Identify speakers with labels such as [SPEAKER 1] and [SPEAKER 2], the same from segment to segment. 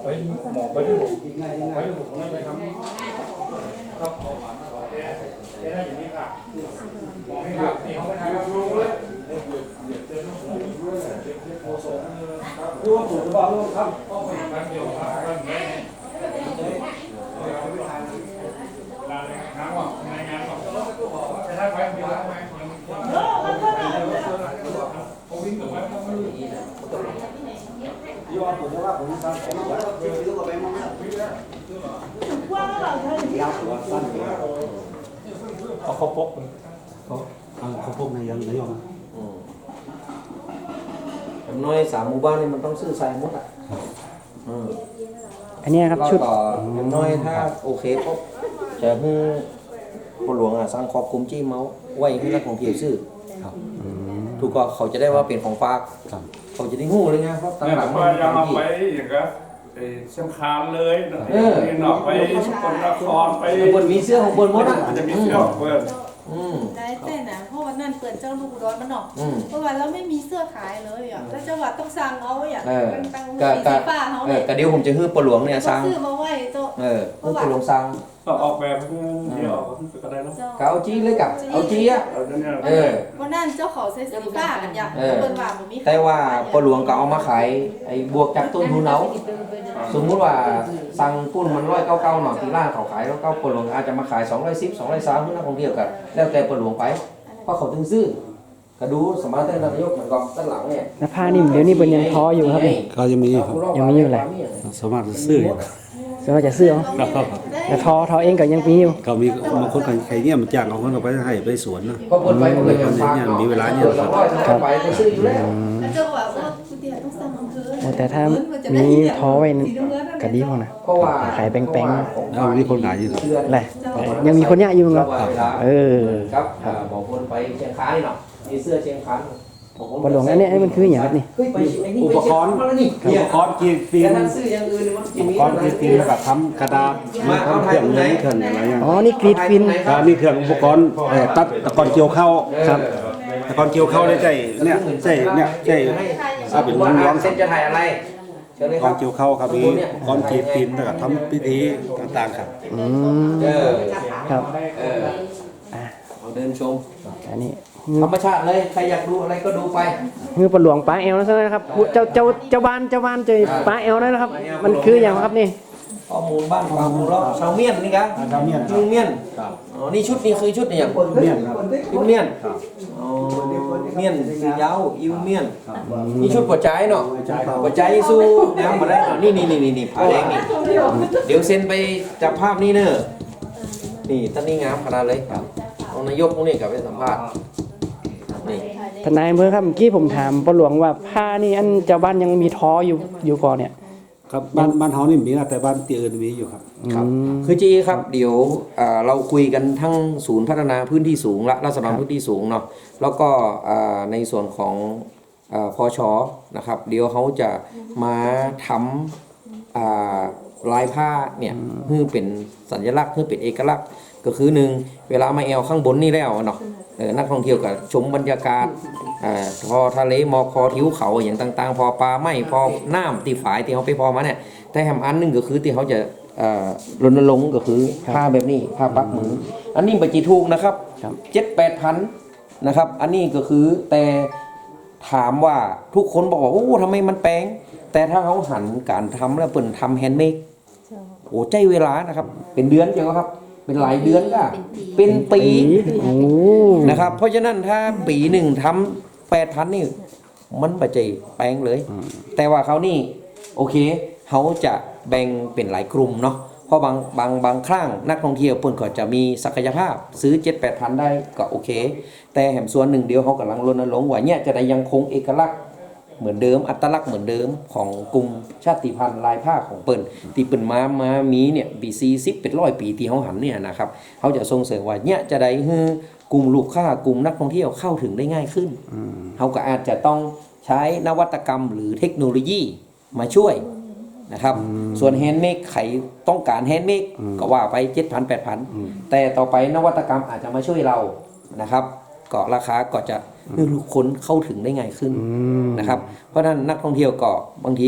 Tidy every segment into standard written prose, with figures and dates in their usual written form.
[SPEAKER 1] หมอไปที่ผมไปที่ผมไปทำครับได้อย่างนี้ค่ะหมอให้ครับนี่เขาไปทำรู้เลยรู้ว่าถูกหรือเปล่ารู้ครับต้องไปการเกี่ยวกับการเงินน้ำหรอกในงานหรอกจะได้ไปมีร้านไหมเขาวิ่งกับว่าเขาไม่รู้ยอดผมว่าผมสั้นผมว่าซื้อกับแบงค์มาวิ่งแล้วยาวตัวสั้นเอาข้าวปกข้าวปกในยังยอม
[SPEAKER 2] อย่างน้อย3 หมู่บ้านนี่มันต้องซื้อใส่หมดอ่ะ
[SPEAKER 3] อันนี้ครับชุด
[SPEAKER 2] อย่างน้อยถ้าโอเคปุ๊บจะให้ผู้หลวงสร้างครอบคลุมจี้เมาส์ไว้ให้นักท่องเที่ยวซื้อถูกก็เขาจะได้ว่าเป็นของฝากเขาจะได้งูเลยไงเพราะตลาดมัน
[SPEAKER 1] ยังเอาไปอย่างก็เชียงคานเลยหนอกไปสกลนครไป
[SPEAKER 2] บนมีเสื้อของบนมดอ่ะ
[SPEAKER 1] จะมีเสื้อของเพื่อน
[SPEAKER 4] ได้แต่นะเพราะวันนั้นเปิดเจ้าลูกร้อนมันหนอกเพราะว่าเราไม่มีเสื้อขายเลยอ่ะแล้วจังหวัดต้องสั่งเอาอย่างตั้งสีฟ้าเขา
[SPEAKER 2] เนี่ยเดี๋ยวผมจะฮื้อปลวงเนี่ยสั่ง
[SPEAKER 4] ซื้อมาไว้โต๊ะ
[SPEAKER 2] ฮื้อปลวงสั่ง
[SPEAKER 1] ออกแบบเดี๋ยวก็ได้แล้ว
[SPEAKER 2] เอาจี้เลยกับเอาจี้อ่ะ
[SPEAKER 4] วันนั้นเจ้าเขาใส่สีฟ้ากันอย่างเปิดว่ามันมี
[SPEAKER 2] แต่ว่าปลวงก็เอามาขายไอ้บวกจากต้นทุนเอาสมมุติว่าสั่งปุ้นมัน199หน่อยที่ร้านเขาขาย199ปลวงอาจจะมาขาย210 230ให้นักท่องเที่ยวกันแล้วแต่ปลวงไปเพราะเขาถึงซื้อก็ดูสมาร์ทนายกเหมือนกับด้านหลังเนี่ย
[SPEAKER 3] แล้วผ้านิ่มเดี๋ยวนี้เป็นยังท้ออยู่ครับ
[SPEAKER 5] ก็ยังมีครับ
[SPEAKER 3] ยังมีอยู่แหละ
[SPEAKER 5] สามารถซื้อ
[SPEAKER 3] สามารถจะซื้อแล้วท้อเองก็ยังมีอยู่
[SPEAKER 5] ก็มีบางคนใครเนี่ยมันจ้างเอาคนเอาไปให้ไปสวนนะ
[SPEAKER 2] ก็คนไปคน
[SPEAKER 5] เนี่ยมีเวลาเนี่ย
[SPEAKER 2] ครับไปซื้ออยู่แล้ว
[SPEAKER 4] เจ้าว่าคุณเดียต้องสั่งอำเภอ
[SPEAKER 3] แต่ถ้ามีท้อไว้ก็ดีพอนะขายแป้งๆ
[SPEAKER 5] แล้วมีคนขายอยู่
[SPEAKER 3] แหละยังมีคนเนี้ยอยู่ครับ
[SPEAKER 2] ครับบอกคนไปเชียงคานนี่เนาะมีเสื้อเชียงคาน
[SPEAKER 3] ปลวงอันนี้มันคืออย่างครับนี่
[SPEAKER 5] อุปกรณ์กีดฟิล์มอุปกรณ์กีดฟิล์มแบบทำกระดาษทำเครื่องไหนเครื่องอะไรอย่าง
[SPEAKER 3] อ๋อนี่กรีดฟิล์ม
[SPEAKER 5] นี่เครื่องอุปกรณ์ตัดตะกอนเกี่ยวเข้า
[SPEAKER 3] ครับ
[SPEAKER 5] ตะกอนเกี่ยวเข้าได้ใจเนี่ยเอาเป็นร้อง
[SPEAKER 2] เส้นจะถ่ายอะไร
[SPEAKER 5] ก้อนเกี่ยวเข้าครับมีก้อนกีดฟิล์มแล้วก็ทำพิธีต่างๆครับ
[SPEAKER 3] ครับ
[SPEAKER 2] เราเดินชม
[SPEAKER 3] อันนี้
[SPEAKER 2] ธรรมชาติเลยใครอยากดูอะไรก็ดูไป
[SPEAKER 3] คือปลวงปลาแอลนะครับเจ้าบ้านเจอปลาแอลนะครับมันคืออย่างครับนี่
[SPEAKER 2] ข้อมูลบ้านความรู้เราชาวเมียนนี่ครับ
[SPEAKER 5] ชาวเมียน
[SPEAKER 2] ลุงเมียนอ๋อนี่ชุดนี้คือชุดนี่อย่าง
[SPEAKER 5] เมียนครับ
[SPEAKER 2] ชุดเมียนอ๋อเมียนสียาวอิวเมียนนี่ชุดหัวใจเนาะหัวใจสู้น้ำมาได้เนาะนี่ผ้าแดงนี่เดี๋ยวเซ็นไปจับภาพนี่เนอะนี่ท่านนี่งามขนาดเลยเอานายกพวกนี้กลับไปสัมภาษณ์
[SPEAKER 3] ทนายอำเภอครับเมื่อกี้ผมถามปลวงว่าผ้านี่อันเจ้าบ้านยังมีท้ออยู่ก่อนเนี่ย
[SPEAKER 5] ครับบ้านเฮานี่มีนะแต่บ้านที่อื่นมีอยู่ครับ
[SPEAKER 2] คือจีครับเดี๋ยวเราคุยกันทั้งศูนย์พัฒนาพื้นที่สูงและราษฎรพื้นที่สูงเนาะแล้วก็ในส่วนของพชนะครับเดี๋ยวเขาจะมาทำลายผ้าเนี่ยเพื่อเป็นสัญลักษณ์เพื่อเป็นเอกลักษณ์ก็คือหนึ่งเวลามาแอลข้างบนนี่แล้วเนาะนักท่องเที่ยวก็ชมบรรยากาศพอทะเลหมอกพอทิวเขาอย่างต่างๆพอปลาไม่พอน้ำตีฝายที่เขาไปพอมาเนี่ยแต่แหมอันนึงก็คือที่เขาจะรณรงค์ก็คือผ้าแบบนี้ผ้าปักมืออันนี้ไปจีทูกนะครับ7-8 พันนะครับอันนี้ก็คือแต่ถามว่าทุกคนบอกว่าโอ้ทำไมมันแพงแต่ถ้าเขาหันการทำแล้วเปิ่นทำแฮนด์เมดโอ้ใจเวลานะครับเป็นเดือนเจ้าครับเป็นหลายเดือนก็เป็นปีนะครับเพราะฉะนั้นถ้าปีหนึ่งทำ8,000นี่มันปัจจัยแปลงเลยแต่ว่าเขานี่โอเคเขาจะแบ่งเป็นหลายกลุ่มเนาะเพราะบางครั้งนักท่องเที่ยวเพิ่นก็จะมีศักยภาพซื้อ 7-8,000 ได้ก็โอเคแต่แหมส่วนหนึ่งเดียวเขากำลังรณรงค์ว่าเนี่ยจะได้ยังคงเอกลักษณ์เหมือนเดิมอัตลักษณ์เหมือนเดิมของกลุ่มชาติพันธุ์ลายผ้าของเปิ้นที่เปิ้นมามีเนี่ย BC 10เป็น100 ปีที่เขาหันเนี่ยนะครับเขาจะส่งเสริมว่าเนี่ยจะได้ให้กลุ่มลูกค้ากลุ่มนักท่องเที่ยวเข้าถึงได้ง่ายขึ้นเขาก็อาจจะต้องใช้นวัตกรรมหรือเทคโนโลยีมาช่วยนะครับส่วนแฮนด์เมดใครต้องการแฮนด์เมดก็ว่าไป 7,000-8,000 แต่ต่อไปนวัตกรรมอาจจะมาช่วยเรานะครับก็ราคาก็จะให้ทุกคนเข้าถึงได้ง่ายขึ้นนะครับเพราะนั้นนักท่องเที่ยวก็บางที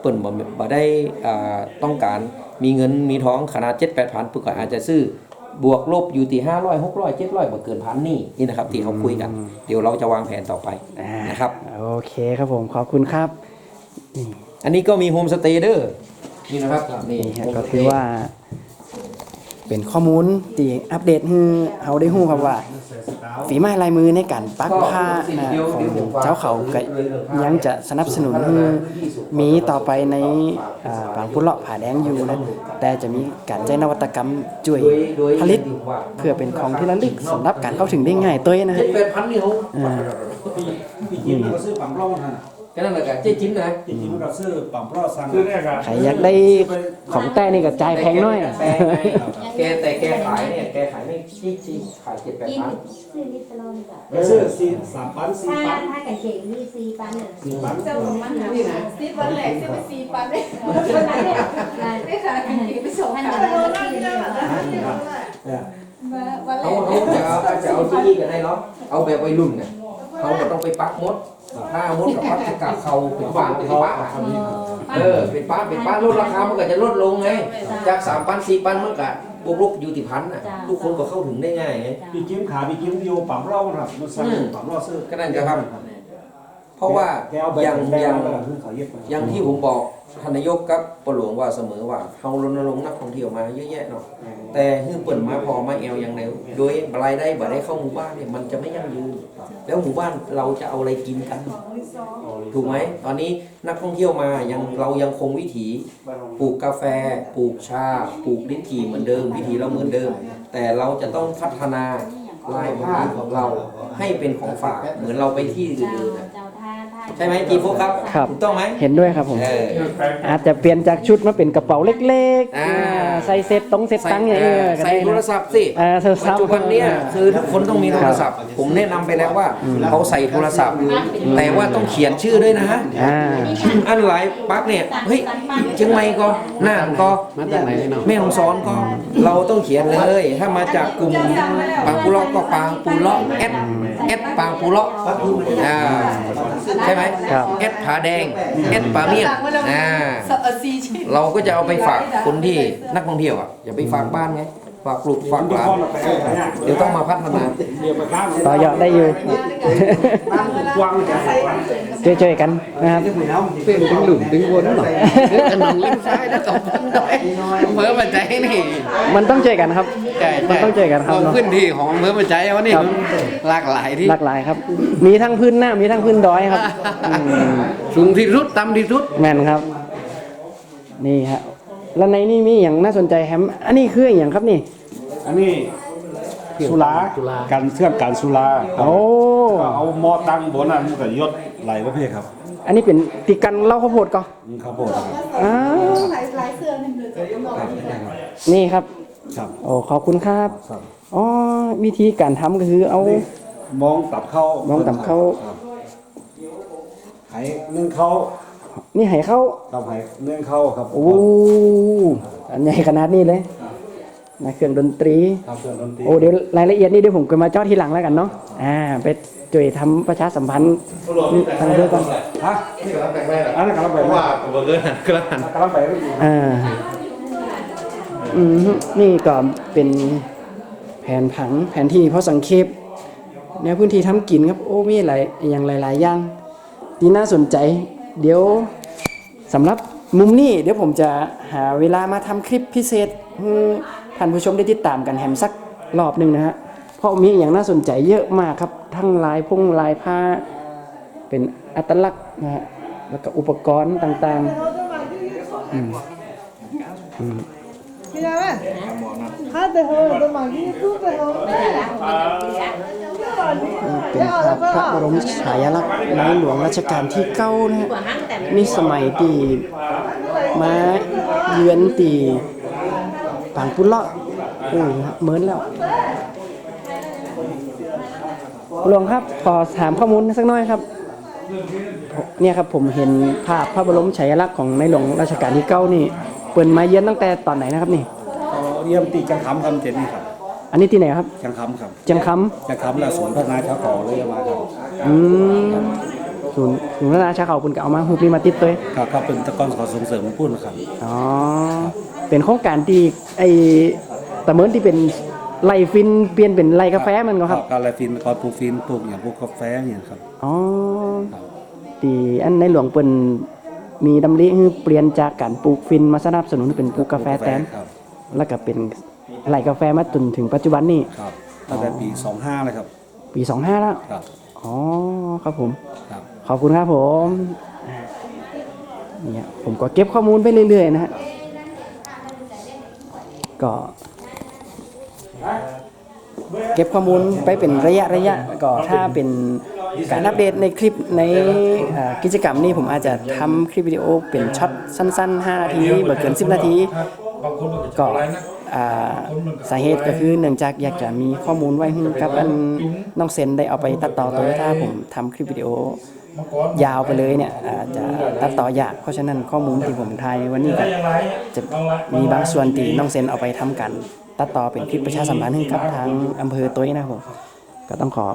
[SPEAKER 2] ปิ่นบ่ได้ต้องการมีเงินมีท้องขนาด 7-8 พันปุ๊กก็อาจจะซื้อบวกลบอยู่ที่500 600 700บ่เกินพันนี่นะครับที่เขาคุยกันเดี๋ยวเราจะวางแผนต่อไปนะครับ
[SPEAKER 3] โอเคครับผมขอบคุณครับนี่
[SPEAKER 2] อันนี้ก็มีโฮมสเตย์เด้อนี่นะครับนี่
[SPEAKER 3] นี่ฮะก็ถือว่า เป็นข้อมูลที่อัปเดตให้เราได้รู้ครับว่า ฝีไม้ลายมือในการปักผ้านะของเจ้าเขาก็ยังจะสนับสนุนให้มีต่อไปในบางพุเลาะผาแดงอยู่นะแต่จะมีการใช้นวัตกรรมช่วยผลิตเพื่อเป็นของที่ระลึกสำหรับการเข้าถึงได้ง่ายตัวนะฮะ
[SPEAKER 2] 7-8 พันนี่เขา
[SPEAKER 5] พี่จิ้มก็ซื้อปั๊มร่องนั่น
[SPEAKER 2] แค่นั้นแหละกันเจ๊จิ้มนะ
[SPEAKER 5] พี่จิ้มก็ซื้อปั๊มร่อสั่ง
[SPEAKER 1] คือเนี่ยครับ
[SPEAKER 3] ใครอยากได้ของแต่นี่ก็จ่ายแพงหน้อย
[SPEAKER 2] แต่แกขายเนี่ยแกขายไม่ชี้ขาย 7-8 พัน
[SPEAKER 6] ซื้อลิตรละค่ะ
[SPEAKER 5] ไปซื้อ3 ปัน
[SPEAKER 6] ถ้า
[SPEAKER 5] 4 ปัน
[SPEAKER 6] ถ้ากันเก่งมี4 ปันเนี่ย
[SPEAKER 5] 4 ปัน
[SPEAKER 4] เจ้าของมันหาซิวันแรกจะไป4 ปันได้
[SPEAKER 6] วันนั้นเนี่ย
[SPEAKER 4] ได้ค่ะกันกี่ไปส่ง
[SPEAKER 6] ท่าน
[SPEAKER 4] ค่ะ
[SPEAKER 6] จะได้ที่นี่
[SPEAKER 4] วันแร
[SPEAKER 2] เขา
[SPEAKER 4] ก
[SPEAKER 2] จะเอาที่กันได้เนาะเอาแบบวัยรุ่นเนี่ยเขาก็ต้องไปปักมดถ้ามดกับปักกับเขาเป็นป้าเป็นป้าเป็นป้าลดราคามันก็จะลดลงไงจาก3 ปัน 4 ปันมันก็บวกลบอยู่ที่พันน่ะทุกคนก็เข้าถึงได้ง่ายไง
[SPEAKER 5] พี่จิ้มขาพี่จิ้มอยู่ปั๊มร่องครับมันสั่งปั๊มร่อซื้อ
[SPEAKER 2] ก็นั่นจะครับเพราะว่า
[SPEAKER 5] แกเอาใบ
[SPEAKER 2] อย่าง
[SPEAKER 5] แดงแล้วก็เขาเย็บ
[SPEAKER 2] อย่างที่ผมบอกท่านนายกกับปหลวงว่าเสมอว่าเฮารณรงค์นักท่องเที่ยวมาเยอะแยะเนาะแต่ฮือเปิ่นมาพอมาแอวอย่างเดียวโดยรายได้บ่ได้เข้าหมู่บ้านเนี่ยมันจะไม่ยั่งยืนแล้วหมู่บ้านเราจะเอาอะไรกินกันถูกไหมตอนนี้นักท่องเที่ยวมาเรายังคงวิถีปลูกกาแฟปลูกชาปลูกลิ้นจี่เหมือนเดิมวิถีเราเหมือนเดิม แต่เราจะต้องพัฒนาลายผ้าของเราให้เป็นของฝากเหมือนเราไปที่อื่นๆ
[SPEAKER 6] เจ้าท่า
[SPEAKER 2] ใช่ไหมจีโฟครับ
[SPEAKER 3] ครับ
[SPEAKER 2] ถูกต้องไหม
[SPEAKER 3] เห็นด้วยครับผม อาจจะเปลี่ยนจากชุดมาเป็นกระเป๋าเล็ก
[SPEAKER 2] อ่า
[SPEAKER 3] ใส่เซ็ตต้องเซ็ตตังค์อย่างเงี้ยก็
[SPEAKER 2] ใส่
[SPEAKER 3] ได้
[SPEAKER 2] โทร
[SPEAKER 3] นะ
[SPEAKER 2] ศัพท์สิ
[SPEAKER 3] โทรศั
[SPEAKER 2] ปั
[SPEAKER 3] พ
[SPEAKER 2] จ
[SPEAKER 3] ท์
[SPEAKER 2] จุบันเนี่ยคือทุกคนต้องมีโทรศัพท์ ผมแนะนำไปแล้วว่าเขาใส่โทรศัพท์ แต่ว่าต้องเขียนชื่อด้วยนะ
[SPEAKER 3] อ่า
[SPEAKER 2] อันหลายปักเนี่ยเฮ้ยเชียงใหม่ก็น่านก็แม่ฮ่องสอนก็เราต้องเขียนเลย ถ้ามาจากกลุ่มปางปูเลาะก็ปางปูเลาะเอสปางปูเลาะใช่ไหม
[SPEAKER 3] ครับ
[SPEAKER 2] เอสผาแดงเอสปาเมียนเราก็จะเอาไปฝากคนที่นักท่องเที่ยวอย่าไปฝากบ้านไงฝากลูกฝากหลานเดี๋ยวต้องมาพัฒนา
[SPEAKER 3] ต่อยอดได้อยู่
[SPEAKER 5] กว้างจะใส่
[SPEAKER 3] ช่วยๆกันนะครับ
[SPEAKER 7] เป็นถึงหลุมถึงวนหน่อยขนมเล่นซ้ายแล้วตบเพิ่มมาใจนี่
[SPEAKER 3] มันต้องช่วยกันครับ
[SPEAKER 7] ใช่
[SPEAKER 3] มันต้องช่วยกันครับ
[SPEAKER 7] พื้นที่ของเพิ่มมาใจวันนี้
[SPEAKER 3] ครับ
[SPEAKER 7] หลากหลายที่
[SPEAKER 3] หลากหลายครับ มีทั้งพื้นหน้ามีทั้งพื้นดอยครับอืม
[SPEAKER 7] สูงที่สุดต่ำที่สุด
[SPEAKER 3] แม่นครับ นี่ฮะแล้วในนี่มีอย่างน่าสนใจแฮมอันนี้คืออย่างครับนี่
[SPEAKER 5] อันนี้สุราการเครื่องการสุรา
[SPEAKER 3] โอ้
[SPEAKER 5] ก็เอาหม้อตั้งบนนั้นมันก็ยศไหลประเภทครับ
[SPEAKER 3] อันนี้เป็นติกันเหล่าข้าวโพดก็
[SPEAKER 5] นี่ครับผมครับ
[SPEAKER 3] อ้าว
[SPEAKER 4] หลายเสื้อนี่เลยจะต้อง
[SPEAKER 3] นี่ครับ
[SPEAKER 5] ครับ
[SPEAKER 3] โอ้ขอบคุณครับ
[SPEAKER 5] ครับ
[SPEAKER 3] อ๋อวิธีการทำก็คือเอา
[SPEAKER 5] มองตับเข้าม
[SPEAKER 3] องตับเข้า
[SPEAKER 5] ครับไหนึ่งเข้า
[SPEAKER 3] นี่ให้เข้า
[SPEAKER 5] กับไหนึ่งเข้าครับ
[SPEAKER 3] โอ้อันใหญ่ขนาดนี้เลยนะเครื่องดนตรี
[SPEAKER 5] ครับเครื่องดนตรี
[SPEAKER 3] โอ้เดี๋ยวรายละเอียดนี่เดี๋ยวผมก็มาเจาะทีหลังแล้วกันเนาะไปช่วยทำประชาสัมพันธ์ทางเรื่องก่อน
[SPEAKER 5] ฮะอันนั้นกำลังไปว่า
[SPEAKER 7] เบอร์เกอร์กระหัน
[SPEAKER 5] กำลังไปไม่ดี
[SPEAKER 3] นี่ก็เป็นแผนผังแผนที่เพราะสังเขปแนวพื้นที่ทำกินครับโอ้มีหลายอย่างหลายๆอย่างที่น่าสนใจเดี๋ยวสำหรับมุมนี้เดี๋ยวผมจะหาเวลามาทำคลิปพิเศษให้ท่านผู้ชมได้ติดตามกันแฮมสักรอบหนึ่งนะฮะเพราะมีอย่างน่าสนใจเยอะมากครับทั้งลายลายผ้าเป็นอัตลักษณ์นะฮะแล้วก็อุปกรณ์ต่างๆเป็นพระบรมฉายาลักษณ์ในหลวงรัชกาลที่9นะฮะนี่สมัยที่มาเยือนตีปางปุเลาะโอ้ยเหมือนแล้วหลวงครับขอถามข้อมูลสักหน่อยครับเนี่ยครับผมเห็นภาพพระบรมฉายาลักษณ์ของในหลวงรัชกาลที่9นี่เปิดมาเยือนตั้งแต่ตอนไหนนะครับนี่
[SPEAKER 5] เยี่ยมตีจังคำคำเจนนี่ครับ
[SPEAKER 3] อันนี้ที่ไหนครับ
[SPEAKER 5] จังคำครับ
[SPEAKER 3] จังค
[SPEAKER 5] จังคำและสวนพัฒนาชาวขอเลยมาครับ
[SPEAKER 3] ำศูนย์พัฒนาชาวเขาเพิ่นก็เอามาฮูปนี้มาติดตัว
[SPEAKER 5] ก็เป็นตะกอนขอส่งเสริมพูดนะครับ
[SPEAKER 3] อ๋อเป็นโครงการที่ไอ้ตะเมินที่เป็นไร่ฟินเปลี่ยนเป็นไร่กาแฟมันก็ครับ
[SPEAKER 5] การอะไรฟินก่อนปลูกฟินปลูกอย่างพวกกาแฟอย่างครับ
[SPEAKER 3] อ๋อตีอันในหลวงเปิ้นมีดำริให้เปลี่ยนจากการปลูกฟินมาสนับสนุนเป็นปลูกกาแฟแทน
[SPEAKER 5] ครับ
[SPEAKER 3] แล้วก็เป็นไร่กาแฟมาจนถึงปัจจุบันนี้
[SPEAKER 5] ครับตั้งแต่ปี25เลยครับ
[SPEAKER 3] ปี 25 แล้ว
[SPEAKER 5] ครับ
[SPEAKER 3] อ๋อครับผม
[SPEAKER 5] ครับ
[SPEAKER 3] ขอบคุณครับผมเนี่ยผมก็เก็บข้อมูลไปเรื่อยๆนะฮะก็เก็บข้อมูลไปเป็นระยะก็ถ้าเป็นการอัปเดตในคลิปในกิจกรรมนี้ผมอาจจะทำคลิปวิดีโอเป็นช็อตสั้นๆ5นาทีบ่เกิน10นาที
[SPEAKER 1] บางคนมัน
[SPEAKER 3] ก็
[SPEAKER 1] จะอะไรนะ
[SPEAKER 3] สาเหตุก็คือเนื่องจากอยากจะมีข้อมูลไว้ให้กับอันน้องเซนได้เอาไปตัดต่อตัวถ้าผมทำคลิปวิดีโอยาวไปเลยเนี่ยอาจจะตัดต่อยากเพราะฉะนั้นข้อมูลที่ผมถ่ายในวันนี้ก็จะมีบางส่วนที่น้องเซนเอาไปทำกันตัดต่อเป็นคลิปประชาสัมพันธ์ให้กับทางอำเภอตัวนะครับผมก็ต้องขอ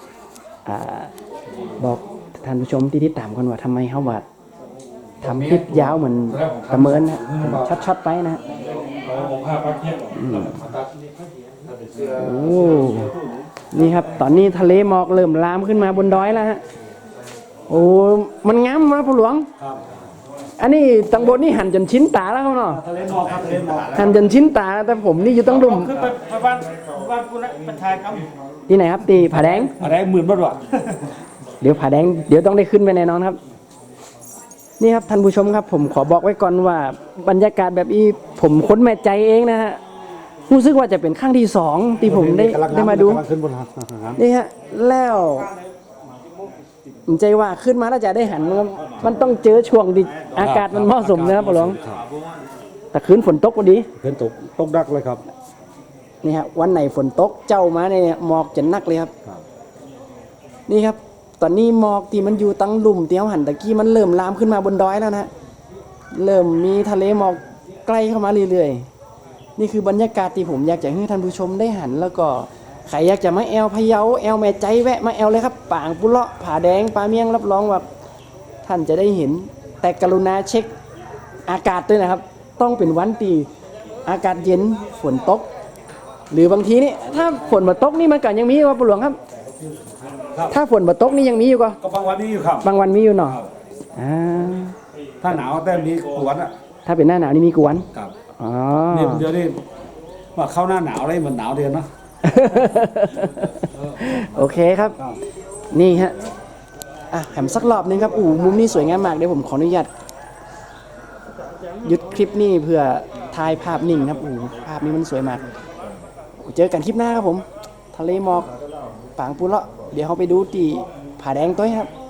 [SPEAKER 3] บอกท่านผู้ชมที่ติดตามกันว่าทำไมเขาว่าทำคลิปยาวเหมือนประเมินนะช็อตๆไปนะ
[SPEAKER 1] เอาผ้าปักเทียบมาตัด
[SPEAKER 3] โอ้นี่ครับตอนนี้ทะเลหมอกเริ่มลามขึ้นมาบนดอยแล้วฮะโอ้มันงามมากผู้หลวงอันนี้ตังบนนี่หันจนชิ้นตาแล้วครับเนาะ
[SPEAKER 5] ทะเลหมอกครับทะเลหมอก
[SPEAKER 3] หันจนชิ้นตาแต่ผมนี่อยู่ต้องดุม
[SPEAKER 5] คือไปบ้านคุณนะเป็นชายครับ
[SPEAKER 3] ที่ไหนครับตีผาแดง
[SPEAKER 5] อะไรหมื่นบาทวะ
[SPEAKER 3] เดี๋ยวผาแดงเดี๋ยวต้องได้ขึ้นไปแน่นอนครับ นี่ครับท่านผู้ชมครับ ผมขอบอกไว้ก่อนว่าบรรยากาศแบบนี้ผมค้นแม่ใจเองนะฮะรู้สึกว่าจะเป็นครั้งที่2ที่ผมได้มาดู
[SPEAKER 5] กำลังขึ้นบนหาง
[SPEAKER 3] นี่ฮะแล้วผมใจว่าขึ้นมาแล้วจะได้หันมันต้องเจอช่วงที่อากาศมันเหมาะสมนะครับพ่อหลวงแต่คืนฝนตกพอดี
[SPEAKER 5] ขึ้นตกดักเลยครับ
[SPEAKER 3] นี่ฮะวันไหนฝนตกเจ้ามาเนี่ยหมอกจะนักเลยครับ นี่ครับ ตอนนี้หมอกที่มันอยู่ตั้งหลุมเตี้ยวหันตะกี้มันเริ่มลามขึ้นมาบนดอยแล้วนะเริ่มมีทะเลหมอกใกล้เข้ามาเรื่อยๆนี่คือบรรยากาศที่ผมอยากจะให้ท่านผู้ชมได้หันแล้วก็ใครอยากจะมาแอลพะเยาแอลแม่ใจแวะมาแอลเลยครับป่างปุเลาะผาแดงปลาเมียงรับรองว่าท่านจะได้เห็นแต่กรุณาเช็คอากาศด้วยนะครับ ต้องเป็นวันที่อากาศเย็นฝนตก หรือบางทีนี่ถ้าฝนมาตกนี่มันก็ยังมีว่าปู่หลวงครับ ถ้าฝนมาตกนี่ยังมีอยู่ก็
[SPEAKER 5] ก็บางวันนี้อยู่ครับ
[SPEAKER 3] บางวันมีอยู่เนาะอ่า
[SPEAKER 5] ถ้าหนาวแต่มีกวนอ่ะ
[SPEAKER 3] ถ้าเป็นหน้าหนาวนี่มีกวน
[SPEAKER 5] ครับ
[SPEAKER 3] อ๋อ
[SPEAKER 5] นี่เดี๋ยวนี้ว่าเข้าหน้าหนาวเลยมันหนาวเดือนเนาะ
[SPEAKER 3] โอเคครับ นี่ฮะแถมสักรอบนึงครับมุมนี้สวยงามมากเดี๋ยวผมขออนุญาตหยุดคลิปนี้เพื่อถ่ายภาพนิ่งครับภาพนี้มันสวยมากเจอกันคลิปหน้าครับผมทะเลหมอกปางปุเลาะเดี๋ยวเราไปดูที่ผาแดงตัวครับ